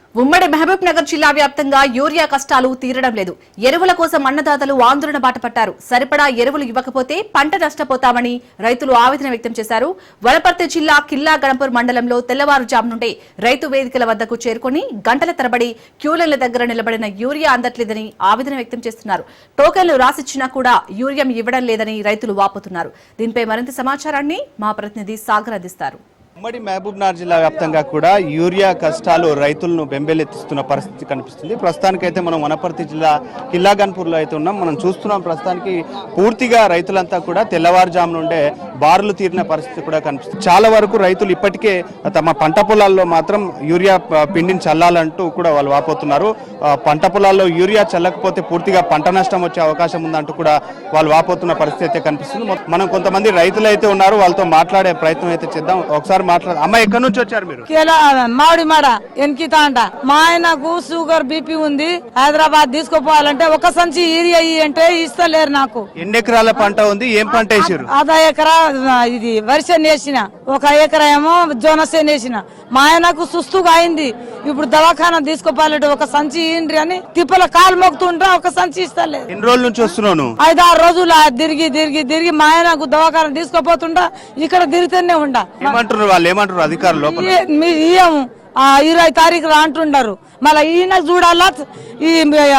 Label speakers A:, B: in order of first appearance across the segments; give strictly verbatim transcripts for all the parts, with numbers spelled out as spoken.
A: ఉమ్మడి మహబూబ్ నగర్ జిల్లా వ్యాప్తంగా యూరియా కష్టాలు తీరడం లేదు. ఎరువుల కోసం అన్నదాతలు ఆందోళన బాటపట్టారు. సరిపడా ఎరువులు ఇవ్వకపోతే పంట నష్టపోతామని రైతులు ఆవేదన వ్యక్తం చేశారు. వనపర్తి జిల్లా కిల్లా గణపూర్ మండలంలో తెల్లవారుజాము నుండే రైతు వేదికల వద్దకు చేరుకుని గంటల తరబడి క్యూలైన్ల దగ్గర నిలబడిన యూరియా అందట్లేదని ఆవేదన వ్యక్తం చేస్తున్నారు. టోకెన్లు రాసిచ్చినా కూడా యూరియా ఇవ్వడం లేదని రైతులు వాపోతున్నారు. దీనిపై మరింత సమాచారాన్ని మా ప్రతినిధి సాగర్ అందిస్తారు.
B: ఉమ్మడి మహబూబ్ నగర్ జిల్లా వ్యాప్తంగా కూడా యూరియా కష్టాలు రైతులను బెంబేలెత్తిస్తున్న పరిస్థితి కనిపిస్తుంది. ప్రస్తుతానికైతే మనం వనపర్తి జిల్లా కిల్లా గన్పూర్లో అయితే ఉన్నాం. మనం చూస్తున్నాం ప్రస్తుతానికి పూర్తిగా రైతులంతా కూడా తెల్లవారుజాము నుండే బారులు తీరిన పరిస్థితి కూడా కనిపిస్తుంది. చాలా వరకు రైతులు ఇప్పటికే తమ పంట పొలాల్లో మాత్రం యూరియా పిండిని చల్లాలంటూ కూడా వాళ్ళు వాపోతున్నారు. పంట పొలాల్లో యూరియా చల్లకపోతే పూర్తిగా పంట నష్టం వచ్చే అవకాశం ఉందంటూ కూడా వాళ్ళు వాపోతున్న పరిస్థితి అయితే కనిపిస్తుంది. మనం కొంతమంది రైతులు అయితే ఉన్నారు, వాళ్ళతో మాట్లాడే ప్రయత్నం అయితే చేద్దాం. ఒకసారి మాట్లాడు. అమ్మ, ఎక్కడి నుంచి వచ్చారు మీరు?
C: మామిడి మాడ ఎన్కితా అంట. మా ఆయనకు షుగర్ బీపీ ఉంది. హైదరాబాద్ తీసుకుపోవాలంటే ఒక సంచి యూరియా అంటే ఇస్తలేరు నాకు.
B: ఎన్ని ఎకరాల పంట ఉంది? ఏం పంట వేసారు?
C: అర్ధ ఎకరా ఇది వరిసేను వేసిన, ఒక ఎకరా ఏమో జోనసేను వేసిన. మా ఆయనకు సుస్తుగా అయింది. ఇప్పుడు దవాఖానా తీసుకుపోవాలంటే ఒక సంచి ఇండ్రి అని తిప్పల కాలు మొక్కుతుంటా ఒక సంచి ఇస్తలేదు.
B: ఎన్ని రోజుల నుంచి వస్తున్నాను?
C: ఐదు ఆరు రోజులు తిరిగి తిరిగి తిరిగి మా ఆయనకు దవాఖానా తీసుకుపోతుంటా ఇక్కడ తిరుగుతూనే ఉండా.
B: ఏమంటున్నారు వాళ్ళు? ఏమంటారు అధికారులు?
C: ఇయ్యము ఇరవై తారీఖు అంటుండారు. మళ్ళీ ఈయన చూడాలా, ఈ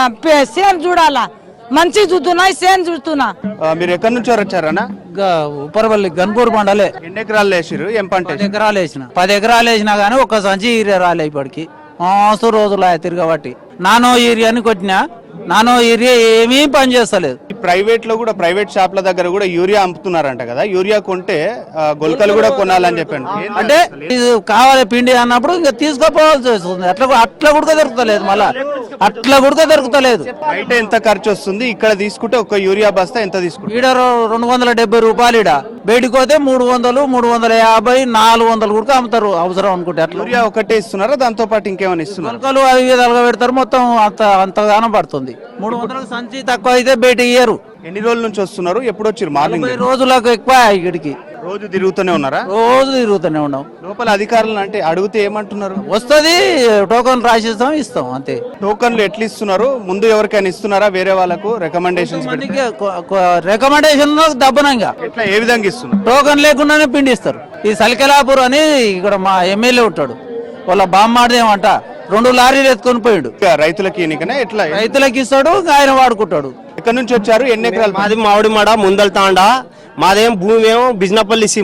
C: సేమ్ చూడాలా. మంచి చూస్తున్నా, సేమ్ చూస్తున్నా.
B: మీరు ఎక్కడి నుంచి వచ్చారన్నా?
D: ఉప్పరపల్లి గన్పూర్ మండలే.
B: ఎన్ని ఎకరాలు వేసారు? ఏం పంట?
D: పది ఎకరాలు వేసిన. పది ఎకరాలు వేసినా గానీ ఒక్క సంచి యూరియా రాలే ఇప్పటికి. మస్తు రోజులు తిరగబట్టి నానో యూరియాని కొట్టినా, నానో యూరియా ఏమీ పని చేస్తలేదు.
B: ప్రైవేట్ లో కూడా, ప్రైవేట్ షాప్ల దగ్గర కూడా యూరియా అమ్ముతున్నారంట కదా. యూరియా కొంటే గొలకలు కూడా కొనాలని చెప్పాను.
D: అంటే ఇది కావాలి పిండి అన్నప్పుడు ఇంకా తీసుకోపోవాల్సి వస్తుంది. అట్లా అట్లా కూడా దొరుకుతలేదు. మళ్ళా అట్లా కూడా దొరుకుతలేదు.
B: బయట ఎంత ఖర్చు వస్తుంది? ఇక్కడ తీసుకుంటే ఒక యూరియా బస్తా ఎంత తీసుకుంటే?
D: ఈడ రెండు వందల డెబ్బై రూపాయలు. ఈడ బయటకు పోతే మూడు వందలు మూడు వందల యాభై నాలుగు వందలు కూడా అమ్ముతారు అవసరం అనుకుంటే. అట్లా
B: యూరియా ఒకటే ఇస్తున్నారా? దాంతో పాటు ఇంకేమైనా ఇస్తున్నారు?
D: గొలకలు అవి విధాలుగా పెడతారు. మొత్తం అంత అంతగానం పడుతుంది. మూడు వందలకు సంచి తక్కువ అయితే బయట ఇయ్యరు.
B: ఎన్ని రోజుల నుంచి వస్తున్నారు? ఎప్పుడు వచ్చారు? మార్నింగ్
D: రోజులకు ఎక్కువ ఇక్కడికి.
B: రోజు తిరుగుతూనే ఉన్నారా?
D: రోజు తిరుగుతూనే ఉన్నాం.
B: లోపల అధికారులు అంటే అడిగితే ఏమంటున్నారు?
D: వస్తుంది, టోకన్ రాసిస్తాం, ఇస్తాం అంతే.
B: టోకన్లు ఎట్లా ఇస్తున్నారు? ముందు ఎవరికైనా ఇస్తున్నారా? వేరే వాళ్ళకు రికమెండేషన్స్?
D: రికమెండేషన్ దబ్బనంగా
B: ఎట్లా, ఏ విధంగా ఇస్తున్నారు?
D: టోకన్ లేకుండానే పిండి ఇస్తారు. ఈ సలికెలాపూర్ అని ఇక్కడ మా ఎమ్మెల్యే ఉంటాడు, వాళ్ళ బామ్మాడదేమంట రెండు లారీలు ఎత్తుకొని పోయాడు.
B: రైతులకి ఎట్లా?
D: రైతులకి ఇస్తాడు, ఆయన వాడుకుంటాడు.
B: ఎక్కడి నుంచి వచ్చారు? ఎన్ని ఎకరాలు?
E: మాది మామిడి మాడ ముందల్ తాండా. మాదేం భూమి ఏమో బిజినపల్లి